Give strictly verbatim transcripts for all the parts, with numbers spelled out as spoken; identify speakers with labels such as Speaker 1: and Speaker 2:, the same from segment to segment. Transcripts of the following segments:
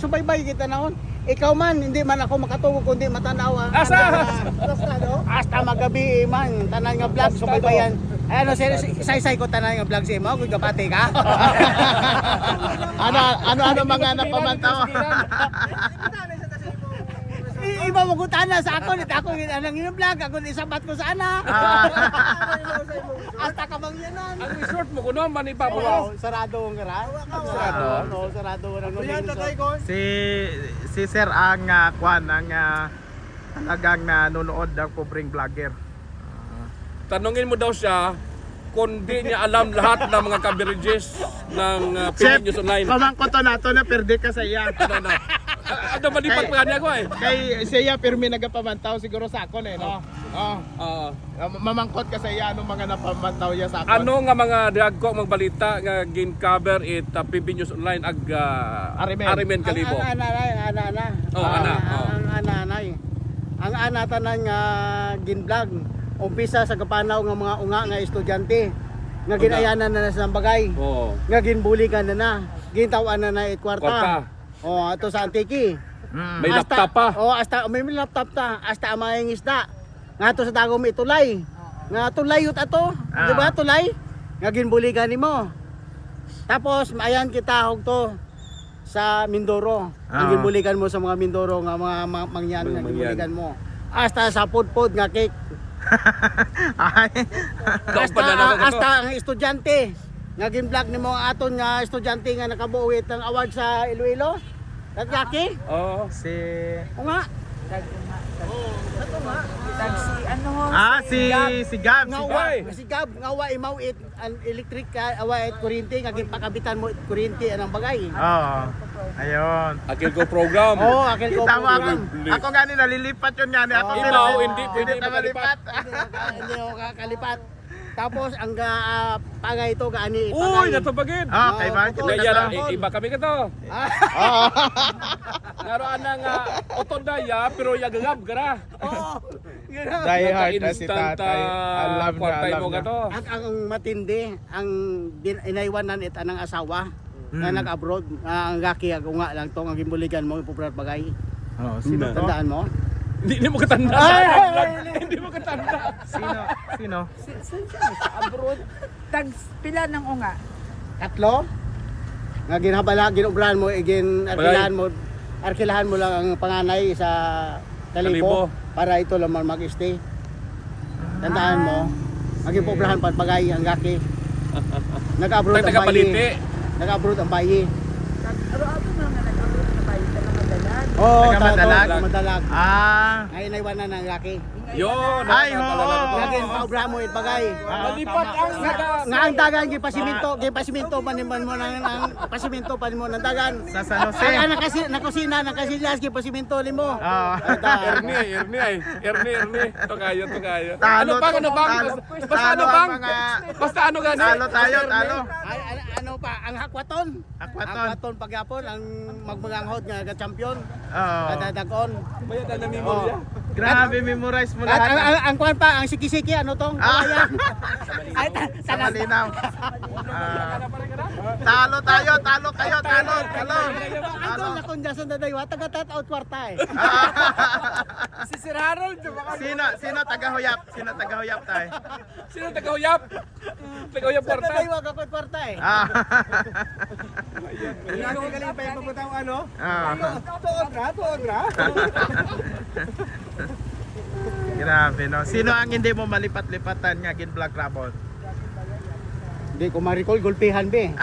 Speaker 1: subaybay kita naon. Ikaw man, hindi man ako makatugo kundi matanaw ang
Speaker 2: Asa?
Speaker 1: Basta no? Hasta magabi man, tanan nga vlog subaybayan. Ay ano, say-say ko tanan nga vlog sa imo, kung gabati ka.
Speaker 3: Ano ano ano mga napamantaw?
Speaker 1: Iba mo gutana sa ako, nito ako anang yung vlog, ako isabat ko sa ana. Hasta kamangyanan.
Speaker 2: Ang resort mo kuno man ipapo.
Speaker 1: Wow, sarado ang gara. Sarado. No, sarado ang resort.
Speaker 3: Si si Sir ang uh, kwan ang uh, talagang nanonood ng pobreng vlogger.
Speaker 2: Tanungin mo daw siya kung di niya alam lahat ng mga coverages ng uh,
Speaker 3: Chef,
Speaker 2: Philippine News Online.
Speaker 3: pamangko to nato na perde ka sa iya.
Speaker 2: Ano na? Ano malipat pa niya ko eh.
Speaker 3: Kay siya pirmi nagapamantaw siguro sa akon eh no. Oh.
Speaker 2: Oo.
Speaker 3: Mamangkot ka sa iya anong mga napamantaw niya sa akon.
Speaker 2: Ano nga mga dagko magbalita nga gin-cover it uh, Philippine News Online ag uh,
Speaker 3: Arimen.
Speaker 2: Arimen Kalibo.
Speaker 1: Ang ana ana ana ana.
Speaker 2: Oh, ana,
Speaker 1: Ang-
Speaker 2: oh.
Speaker 1: Ang ana ana. Ang ana tanan nga ginvlog. Umpisa sa kapanaw nga mga unga nga estudyante nga
Speaker 2: Unga.
Speaker 1: ginayanan na na sa bagay.
Speaker 2: Oo.
Speaker 1: Nga ginbuli ka na na. Gintawan na na it
Speaker 2: Kwarta.
Speaker 1: kwarta. Oh, ato sa Antiki.
Speaker 3: Mm.
Speaker 2: May laptop pa.
Speaker 1: Oh, hasta may laptop ta. Hasta amayang isda. Nga to sa dagom itulay. Nga tulay ut ato.
Speaker 3: Ah.
Speaker 1: Di ba tulay? Nga ginbuli ka nimo. Tapos maayan kita hog to sa Mindoro.
Speaker 3: Ah.
Speaker 1: Ang ginbulikan mo sa mga Mindoro nga mga ma- mangyan
Speaker 2: Mga
Speaker 1: nga
Speaker 2: mangyan.
Speaker 1: ginbulikan mo. Hasta sa pudpud nga cake.
Speaker 3: Ay.
Speaker 2: Daw
Speaker 1: Hasta,
Speaker 2: pa na naman
Speaker 1: hasta ang estudyante. Nga ginvlog nimo ang aton nga estudyante nga nakabuwit ng award sa Iloilo. Tagyaki?
Speaker 2: Oo.
Speaker 3: Si
Speaker 1: O nga.
Speaker 4: Tag si ano ho?
Speaker 3: Ah si si Gab.
Speaker 1: Nga
Speaker 3: Si
Speaker 1: wa,
Speaker 3: Gab.
Speaker 1: si Gab, nga wa imaw it an electric ka, awa it kuryente nga ginpakabitan mo it kuryente anang bagay.
Speaker 3: Oo. Ayun.
Speaker 2: Akil ko program.
Speaker 1: Oh, akil ko
Speaker 3: Kita mo ako.
Speaker 1: program.
Speaker 3: Ako gani nalilipat yun gani. Ako
Speaker 1: Oo.
Speaker 3: pero
Speaker 2: Ikaw, hindi
Speaker 3: hindi
Speaker 2: pwede
Speaker 3: na malipat.
Speaker 1: Hindi ako ka- Hindi ako kakalipat. Tapos ang uh, pagay ito gaani
Speaker 2: Uy, natubagin.
Speaker 3: Ah, kay
Speaker 1: Oo,
Speaker 3: Mark.
Speaker 1: totoo.
Speaker 2: Kaya
Speaker 1: Totoo.
Speaker 2: na, iba kami ka to.
Speaker 3: Oo.
Speaker 2: Naroon na nga otondaya pero yagagab gara.
Speaker 1: Oo. Ganun.
Speaker 3: Die hard na si
Speaker 2: Instant,
Speaker 3: tatay.
Speaker 2: ah,
Speaker 3: Alam na,
Speaker 2: kwartay
Speaker 3: alam
Speaker 2: mo
Speaker 3: na.
Speaker 2: ka to.
Speaker 1: Ang, ang matindi, ang din- inaiwanan it anang asawa nga
Speaker 3: Mm.
Speaker 1: nag-abroad. Ah, ang gaki ako nga lang to ang gimbuligan mo ipuprat bagay.
Speaker 3: Oh, sino to?
Speaker 1: Tandaan mo?
Speaker 2: Hindi hindi mo katanda.
Speaker 1: Ay, ay, ay,
Speaker 2: Hindi mo katanda.
Speaker 3: Sino? Sino?
Speaker 4: Si- saan siya? Sa abroad. Tag pila ng unga.
Speaker 1: Tatlo? Nga ginhabala, ginubrahan mo, igin arkilahan mo, arkilahan mo lang ang panganay sa
Speaker 2: Kalibo.
Speaker 1: Kalibo para ito lamang mag-stay. Tandaan mo, maging pobrahan pa bagay ang gaki. Nag-abroad ang
Speaker 2: Taga-baliti.
Speaker 1: bayi. Nag-abroad ang bayi.
Speaker 4: Tag aro-aro na nga nag-abroad na bayi sa mga dalag.
Speaker 1: Oo,
Speaker 3: Taga-madalag?
Speaker 1: madalag.
Speaker 3: Ah.
Speaker 1: Ay, naiwanan ng gaki.
Speaker 2: Yun.
Speaker 3: Ay,
Speaker 2: nakakalala
Speaker 3: oo.
Speaker 2: ko.
Speaker 1: Laging paubrahan mo it bagay.
Speaker 3: Ah,
Speaker 2: Malipat
Speaker 3: tama.
Speaker 2: ang naga.
Speaker 1: Nga ang dagan, gipasiminto, gipasiminto pa naman mo ng, ng pasiminto pa mo ng dagan.
Speaker 3: Sa San Jose.
Speaker 1: Ang anak kasi nakusina, nakasilyas, gipasiminto mo.
Speaker 3: Ah.
Speaker 2: Ernie, Ernie ay. Ernie, Ernie. Ito kayo, ito kayo.
Speaker 3: Talo
Speaker 2: Ano bang,
Speaker 3: to,
Speaker 2: ano bang?
Speaker 3: talo.
Speaker 2: Basta ano
Speaker 3: Talo ang
Speaker 2: bang?
Speaker 3: mga-
Speaker 2: Basta ano gani?
Speaker 3: Talo tayo, talo.
Speaker 1: Ay, ano, ano pa, ang hakwaton.
Speaker 3: Hakwaton.
Speaker 1: Hakwaton pagyapon, ang magmaganghod nga ka-champion.
Speaker 3: Oo.
Speaker 1: Kadadagon.
Speaker 2: Bayad na memorya.
Speaker 3: Grabe, memorize mo
Speaker 1: At ang,
Speaker 3: lahat.
Speaker 1: ang, ang kwan pa, ang siki-siki, ano tong?
Speaker 3: Ah.
Speaker 1: Kawayan. Ay, ta-
Speaker 3: Sa
Speaker 1: taga-
Speaker 3: malinaw. Ah. Talo tayo, talo kayo, talo, talo.
Speaker 1: Andun na kung dyan sa dadaywa, taga-tat-out kwarta eh.
Speaker 4: Si Sir Harold, di ba?
Speaker 3: Sino, sino taga-huyap? Sino taga-huyap tayo?
Speaker 2: Sino taga-uyap? Taga-uyap
Speaker 1: Sa
Speaker 2: kwarta.
Speaker 1: dadaywa, kakot kwarta eh.
Speaker 3: Ah.
Speaker 1: Galing pa yung pagkutang ano?
Speaker 3: Ah.
Speaker 1: Tuod na, tuod na.
Speaker 3: Grabe no. Sino ang hindi mo malipat-lipatan nga gin Black Rabon?
Speaker 1: Hindi ko ma-recall, gulpihan be.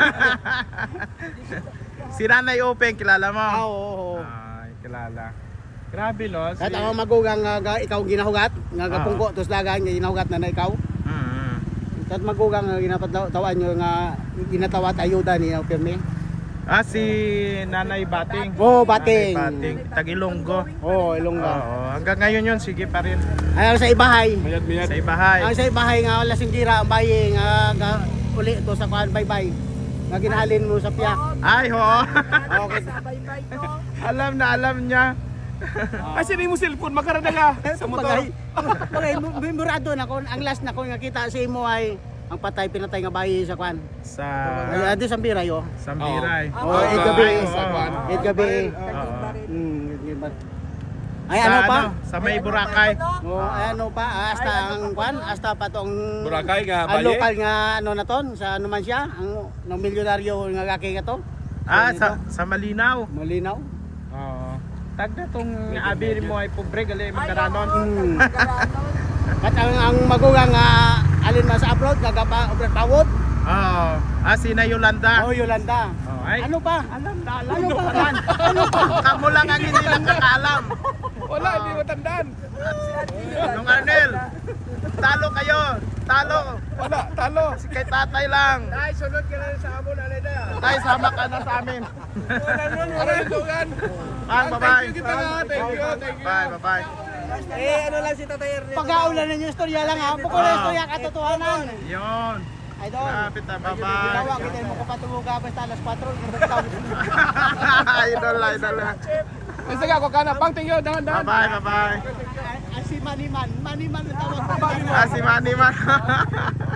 Speaker 3: Si Nanay Open, kilala mo?
Speaker 1: Ah, oo, oo.
Speaker 3: Ay, kilala. Grabe no. Si...
Speaker 1: Kahit ako magugang nga ga- ikaw ginahugat, nga
Speaker 3: Ah.
Speaker 1: gapungko, tos lagan, nga ginahugat na na ikaw.
Speaker 3: Mm.
Speaker 1: Kahit magugang nga ginapatawan nyo nga ginatawat ayuda ni Pirmi.
Speaker 3: Ah, si Nanay Bating.
Speaker 1: Oo, Bating.
Speaker 3: Nanay Bating. Tagilonggo.
Speaker 1: Oo, Ilongga.
Speaker 3: Oo. Hanggang ngayon yun, sige pa rin.
Speaker 1: Ay, sa ibahay.
Speaker 2: Mayad, mayad.
Speaker 3: Sa ibahay.
Speaker 1: Ang sa ibahay nga wala sing gira ang bayi nga, nga uli to sa kuan bye-bye. Nga ginahalin mo sa piyak.
Speaker 3: Ay, ho.
Speaker 1: Okay.
Speaker 4: Sabay-bay to.
Speaker 3: Alam na, alam niya.
Speaker 2: Ay, sino mo cellphone? Makarada ka sa motor.
Speaker 1: Bagay, bagay, memorado na ko. Ang last na ko nga kita sa imo ay ang patay pinatay nga bayi sa kwan.
Speaker 3: Sa
Speaker 1: Ay, adi sa biray oh.
Speaker 3: Sambiray.
Speaker 1: Oh, eh, gabi.
Speaker 2: Sa kwan.
Speaker 1: Eh, gabi.
Speaker 3: Oo.
Speaker 1: Hmm, yun ba? Ay
Speaker 3: Sa
Speaker 1: ano pa?
Speaker 3: Sa may Boracay.
Speaker 1: Oh, ay ano pa? Hasta ang kwan, hasta pa tong
Speaker 2: Boracay nga
Speaker 1: ang
Speaker 2: baye.
Speaker 1: local nga ano na ton, sa ano man siya, ang no milyonaryo nga gaki ka to.
Speaker 3: Ah, sa sa Malinaw.
Speaker 1: Malinaw.
Speaker 3: Oo. Tagda tong abi mo ay pobre gali
Speaker 4: Ay,
Speaker 3: magkaranon.
Speaker 4: oo,
Speaker 1: Hmm.
Speaker 4: magkaranon.
Speaker 1: At ang, ang magugang nga alin man sa upload, gagapa obrat pawod.
Speaker 3: Oo. Ah, sina Yolanda.
Speaker 1: Oh, Yolanda.
Speaker 3: Oh, ay.
Speaker 1: Ano pa?
Speaker 3: Alam na, alam
Speaker 1: Ano pa?
Speaker 3: naman. Ano pa? Kamu lang ang hindi nakakaalam.
Speaker 2: Wala, hindi mo tandaan.
Speaker 3: Nung Arnel, talo kayo. Talo.
Speaker 2: Wala, talo.
Speaker 3: Si kay tatay lang.
Speaker 1: Ay, sunod ka lang sa amon alay na.
Speaker 3: Tay, sama ka na sa amin.
Speaker 2: Wala yung dugan.
Speaker 3: Ang bye-bye.
Speaker 2: Thank you kita nga. Thank you, thank you.
Speaker 3: Bye, bye-bye.
Speaker 4: Eh, ano lang si Tatay Ernest.
Speaker 1: Pag-aulan ninyo istorya lang ha. Bukod na istorya katotohanan.
Speaker 3: Yun.
Speaker 1: Idol.
Speaker 3: Lapit na,
Speaker 1: Ginawa
Speaker 3: bye-bye.
Speaker 1: kita mo ko patumuga basta alas patro.
Speaker 3: Idol, idol.
Speaker 2: Sige ako ka na. Pang, thank you. Dahan, dahan.
Speaker 3: Bye-bye, bye-bye.
Speaker 1: Asi Maniman. Maniman ang tawag ko.
Speaker 3: Ah, si Manny Man.